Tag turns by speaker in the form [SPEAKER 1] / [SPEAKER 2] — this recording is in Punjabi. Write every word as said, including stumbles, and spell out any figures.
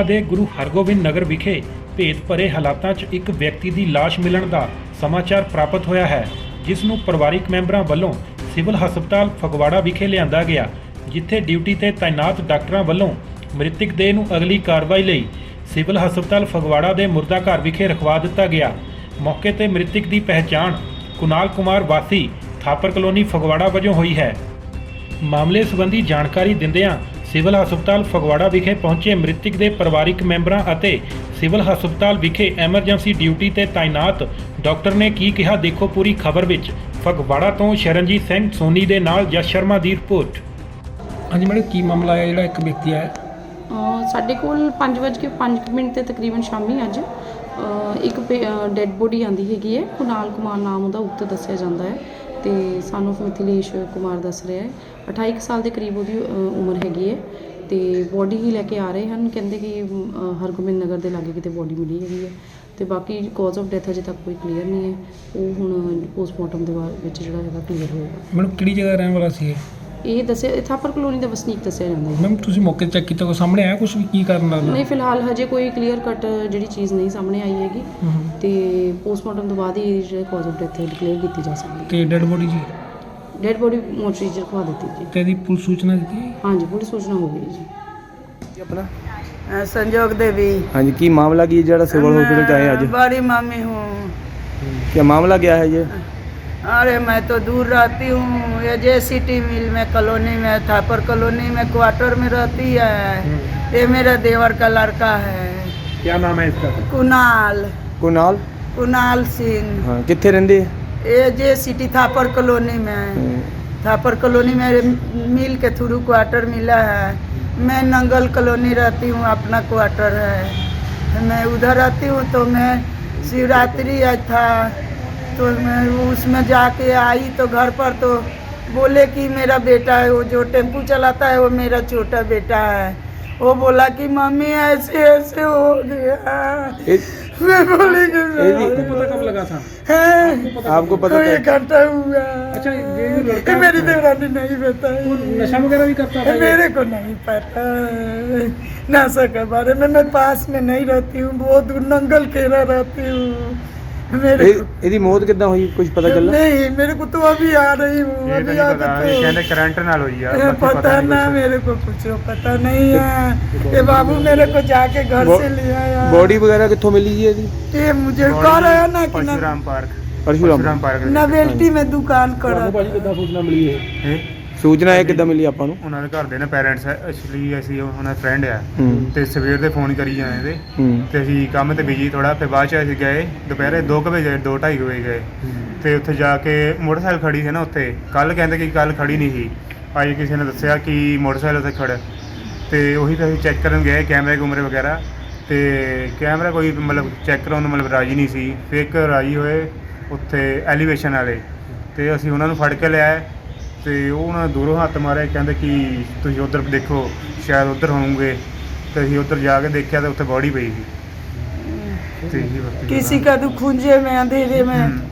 [SPEAKER 1] ਫਗਵਾੜਾ ਦੇ ਗੁਰੂ ਹਰਗੋਬਿੰਦ ਨਗਰ ਵਿਖੇ ਭੇਦ ਭਰੇ ਹਾਲਾਤਾਂ 'ਚ ਇੱਕ ਵਿਅਕਤੀ ਦੀ ਲਾਸ਼ ਮਿਲਣ ਦਾ ਸਮਾਚਾਰ ਪ੍ਰਾਪਤ ਹੋਇਆ ਹੈ, ਜਿਸ ਨੂੰ ਪਰਿਵਾਰਿਕ ਮੈਂਬਰਾਂ ਵੱਲੋਂ ਸਿਵਲ ਹਸਪਤਾਲ ਫਗਵਾੜਾ ਵਿਖੇ ਲਿਆਂਦਾ ਗਿਆ, ਜਿੱਥੇ ਡਿਊਟੀ ਤੇ ਤਾਇਨਾਤ ਡਾਕਟਰਾਂ ਵੱਲੋਂ ਮ੍ਰਿਤਕ ਦੇਹ ਨੂੰ ਅਗਲੀ ਕਾਰਵਾਈ ਲਈ ਸਿਵਲ ਹਸਪਤਾਲ ਫਗਵਾੜਾ ਦੇ ਮੁਰਦਾ ਘਰ ਵਿਖੇ ਰਖਵਾ ਦਿੱਤਾ ਗਿਆ। ਮੌਕੇ ਤੇ ਮ੍ਰਿਤਕ ਦੀ ਪਹਿਚਾਣ ਕੁਨਾਲ ਕੁਮਾਰ ਵਾਸੀ ਥਾਪਰ ਕਲੋਨੀ ਫਗਵਾੜਾ ਵਜੋਂ ਹੋਈ ਹੈ। ਮਾਮਲੇ ਸੰਬੰਧੀ ਜਾਣਕਾਰੀ ਦਿੰਦਿਆਂ ਸਿਵਲ ਹਸਪਤਾਲ ਫਗਵਾੜਾ ਵਿਖੇ ਪਹੁੰਚੇ ਮ੍ਰਿਤਕ ਦੇ ਪਰਿਵਾਰਿਕ ਮੈਂਬਰਾਂ ਅਤੇ ਸਿਵਲ ਹਸਪਤਾਲ ਵਿਖੇ ਐਮਰਜੈਂਸੀ ਡਿਊਟੀ ਤੇ ਤਾਇਨਾਤ ਡਾਕਟਰ ਨੇ ਕੀ ਕਿਹਾ, ਦੇਖੋ ਪੂਰੀ ਖਬਰ ਵਿੱਚ। ਫਗਵਾੜਾ ਤੋਂ ਸ਼ਰਨਜੀਤ ਸਿੰਘ ਸੋਨੀ ਦੇ ਨਾਲ ਜਸ ਸ਼ਰਮਾ ਦੀ ਰਿਪੋਰਟ।
[SPEAKER 2] ਹਾਂਜੀ ਮੈਡਮ, ਕੀ ਮਾਮਲਾ ਹੈ ਜਿਹੜਾ ਇੱਕ ਵਿਅਕਤੀ ਆਇਆ?
[SPEAKER 3] ਸਾਡੇ ਕੋਲ ਪੰਜ ਵੱਜ ਕੇ ਪੰਜ ਮਿੰਟ ਤੇ ਤਕਰੀਬਨ ਸ਼ਾਮੀ ਅੱਜ ਅ, ਇੱਕ ਡੈੱਡ ਬੋਡੀ ਆਂਦੀ ਹੈਗੀ ਹੈ। ਕੁਨਾਲ ਕੁਮਾਰ ਨਾਮ ਉਹਦਾ ਉੱਤੇ ਦੱਸਿਆ ਜਾਂਦਾ ਹੈ ਤੇ ਸਾਨੂੰ ਮਿਥਿਲੇਸ਼ ਕੁਮਾਰ ਦੱਸ ਰਿਹਾ ਹੈ। ਅਠਾਈ ਕੁ ਸਾਲ ਦੇ ਕਰੀਬ ਉਹਦੀ ਅ, ਉਮਰ ਹੈਗੀ ਹੈ ਤੇ ਬੋਡੀ ਹੀ ਲੈ ਕੇ ਆ ਰਹੇ ਹਨ। ਕਹਿੰਦੇ ਕਿ ਅ, ਹਰਗੋਬਿੰਦ ਨਗਰ ਦੇ ਲਾਗੇ ਕਿਤੇ ਬੋਡੀ ਮਿਲੀ ਹੈਗੀ ਹੈ ਤੇ ਬਾਕੀ ਕਾਜ਼ ਆਫ ਡੈਥ ਅਜੇ ਤੱਕ ਕੋਈ ਕਲੀਅਰ ਨਹੀਂ ਹੈ। ਉਹ ਹੁਣ ਪੋਸਟਮਾਰਟਮ ਦੇ ਬਾਅਦ ਵਿੱਚ ਜਿਹੜਾ ਹੈਗਾ ਕਲੀਅਰ ਹੋਏਗਾ।
[SPEAKER 2] ਮੈਡਮ ਕਿਹੜੀ ਜਗ੍ਹਾ ਰਹਿਣ ਵਾਲਾ ਸੀ ਇਹ?
[SPEAKER 3] ਇਹ ਦੱਸਿਆ ਥਾਪਰ ਕਲੋਨੀ ਦਾ ਵਸਨੀਕ ਦੱਸਿਆ ਜਾਂਦਾ ਹੈ।
[SPEAKER 2] ਮੈਮ ਤੁਸੀਂ ਮੌਕੇ ਤੇ ਚੈੱਕ ਕੀਤਾ, ਕੋਈ ਸਾਹਮਣੇ ਆਇਆ ਕੁਝ ਵੀ ਕੀ ਕਰਨ ਲੱਗਦਾ?
[SPEAKER 3] ਨਹੀਂ, ਫਿਲਹਾਲ ਹਜੇ ਕੋਈ ਕਲੀਅਰ ਕੱਟ ਜਿਹੜੀ ਚੀਜ਼ ਨਹੀਂ ਸਾਹਮਣੇ ਆਈ ਹੈਗੀ ਤੇ ਪੋਸਟਮਾਰਟਮ ਤੋਂ ਬਾਅਦ ਹੀ ਜਿਹੜੇ ਕਾਜ਼ ਆਫ ਡੈਥ ਡਿਕਲੇਅਰ ਕੀਤੀ ਜਾ ਸਕਦੀ ਹੈ।
[SPEAKER 2] ਤੇ ਡੈਡ ਬੋਡੀ ਜੀ?
[SPEAKER 3] ਡੈਡ ਬੋਡੀ ਮੋਰਚਰੀ 'ਚ ਰਖਵਾ ਦਿੱਤੀ ਜੀ।
[SPEAKER 2] ਤੇ ਇਹਦੀ ਪੁਲਿਸ ਸੂਚਨਾ ਦਿੱਤੀ?
[SPEAKER 3] ਹਾਂਜੀ, ਪੁਲਿਸ ਸੂਚਨਾ ਹੋ ਗਈ ਜੀ।
[SPEAKER 4] अपना
[SPEAKER 5] अ, संजोग देवी।
[SPEAKER 4] हाँ जी, की मामला की जरा सिविल हॉस्पिटल चाहे आज?
[SPEAKER 5] बड़ी मम्मी हूँ।
[SPEAKER 4] क्या मामला क्या है ये?
[SPEAKER 5] अरे मैं तो दूर रहती हूँ, ये जे सिटी मिल में कॉलोनी में थापर कॉलोनी में क्वार्टर में रहती है। ये मेरा देवर का लड़का है।
[SPEAKER 2] क्या नाम है इसका?
[SPEAKER 5] कुनाल
[SPEAKER 4] कुनाल
[SPEAKER 5] कुनाल सिंह।
[SPEAKER 4] हाँ, कितने रहंदे?
[SPEAKER 5] ये जे सिटी थापर कॉलोनी में थापर कॉलोनी में मिल के थ्रू क्वार्टर मिला है। मैं नंगल कॉलोनी रहती हूँ, अपना क्वार्टर है। मैं उधर रहती हूँ तो मैं शिवरात्रि आज था तो मैं उसमें जाके आई तो घर पर तो बोले कि मेरा बेटा है, वो जो टेम्पू चलाता है वो मेरा छोटा बेटा है। वो बोला कि मम्मी ऐसे ऐसे हो गया। मैं बोली कि
[SPEAKER 2] आपको पता कब लगा था?
[SPEAKER 5] है
[SPEAKER 4] आपको पता
[SPEAKER 5] तो एक घंटा हुआ।
[SPEAKER 2] अच्छा, ये जो लड़का
[SPEAKER 5] ये मेरी देवरानी नहीं बताई।
[SPEAKER 2] वो नशा वगैरह भी करता था?
[SPEAKER 5] मेरे को नहीं पता नशा के बारे में। मैं पास में नहीं रहती हूँ, बहुत दूर नंगल केरा रहती हूँ। मेरे को
[SPEAKER 4] ਇਹਦੀ ਮੌਤ ਕਿੱਦਾਂ ਹੋਈ, कुछ पता चला?
[SPEAKER 5] नहीं, मेरे को तो अभी आ रही हूँ। अभी आ तो
[SPEAKER 6] करंट नाल हुई है, बाकी
[SPEAKER 5] पता ना, मेरे को कुछ पता नहीं है। ये बाबू मेरे को जाके घर
[SPEAKER 4] बो-
[SPEAKER 5] से ले आया।
[SPEAKER 4] बॉडी वगैरह कित्थों मिली जी ਇਹਦੀ?
[SPEAKER 5] ये मुझे कह रहा है ना कि
[SPEAKER 6] Parshuram park
[SPEAKER 4] Parshuram
[SPEAKER 6] park
[SPEAKER 5] novelty में दुकान कर
[SPEAKER 2] ਤੁਹਾਨੂੰ ਭਾਜੀ ਕਿੱਦਾਂ ਸੂਚਨਾ ਮਿਲੀ ਹੈ?
[SPEAKER 4] ਸੂਚਨਾ ਇਹ ਕਿੱਦਾਂ ਮਿਲੀ ਆਪਾਂ ਨੂੰ?
[SPEAKER 6] ਉਹਨਾਂ ਦੇ ਘਰ ਦੇ ਨੇ ਪੇਰੈਂਟਸ ਐਕਚੁਅਲੀ ਅਸੀਂ ਉਹਨਾਂ ਫਰੈਂਡ ਆ
[SPEAKER 4] ਹੂੰ
[SPEAKER 6] ਤੇ ਸਵੇਰ ਦੇ ਫੋਨ ਕਰੀ ਜਾਂਦੇ ਤੇ
[SPEAKER 4] ਹੂੰ
[SPEAKER 6] ਤੇ ਅਸੀਂ ਕੰਮ ਤੇ ਬਿਜੀ ਥੋੜਾ, ਫਿਰ ਬਾਅਦ ਚ ਅਸੀਂ ਗਏ ਦੁਪਹਿਰੇ ਦੋ ਕੁ ਵਜੇ ਦੋ ਢਾਈ ਕੁ ਵਜੇ ਗਏ ਤੇ ਉੱਥੇ ਜਾ ਕੇ ਮੋਟਰਸਾਈਕਲ ਖੜੀ ਸੀ ਨਾ ਉੱਥੇ। ਕੱਲ ਕਹਿੰਦੇ ਕਿ ਕੱਲ ਖੜੀ ਨਹੀਂ ਸੀ, ਅੱਜ ਕਿਸੇ ਨੇ ਦੱਸਿਆ ਕਿ ਮੋਟਰਸਾਈਕਲ ਉੱਥੇ ਖੜਾ ਤੇ ਉਹੀ ਫਿਰ ਅਸੀਂ ਚੈੱਕ ਕਰਨ ਗਏ ਕੈਮਰੇ ਕੁਮਰੇ ਵਗੈਰਾ ਤੇ ਕੈਮਰਾ ਕੋਈ ਮਤਲਬ ਚੈੱਕ ਕਰਾਉਣ ਨੂੰ ਮਤਲਬ ਰਾਜੀ ਨਹੀਂ ਸੀ। ਫਿਰ ਇੱਕ ਰਾਜੀ ਹੋਏ ਉੱਥੇ ਐਲੀਵੇਸ਼ਨ ਵਾਲੇ ਤੇ ਅਸੀਂ ਉਹਨਾਂ ਨੂੰ ਫੜ ਕੇ ਲਿਆਏ ਤੇ ਉਹ ਉਹਨਾਂ ਨੇ ਦੂਰੋਂ ਹੱਥ ਮਾਰੇ, ਕਹਿੰਦੇ ਕਿ ਤੁਸੀਂ ਉੱਧਰ ਦੇਖੋ ਸ਼ਾਇਦ ਉੱਧਰ ਹੋਣਗੇ ਤੇ ਅਸੀਂ ਉੱਧਰ ਜਾ ਕੇ ਦੇਖਿਆ ਤੇ ਉੱਥੇ ਬੋਡੀ ਪਈ ਸੀ। ਤੇ ਇਹੀ ਵਕਤ
[SPEAKER 5] किसी का दुख खुंजे में अंधेरे में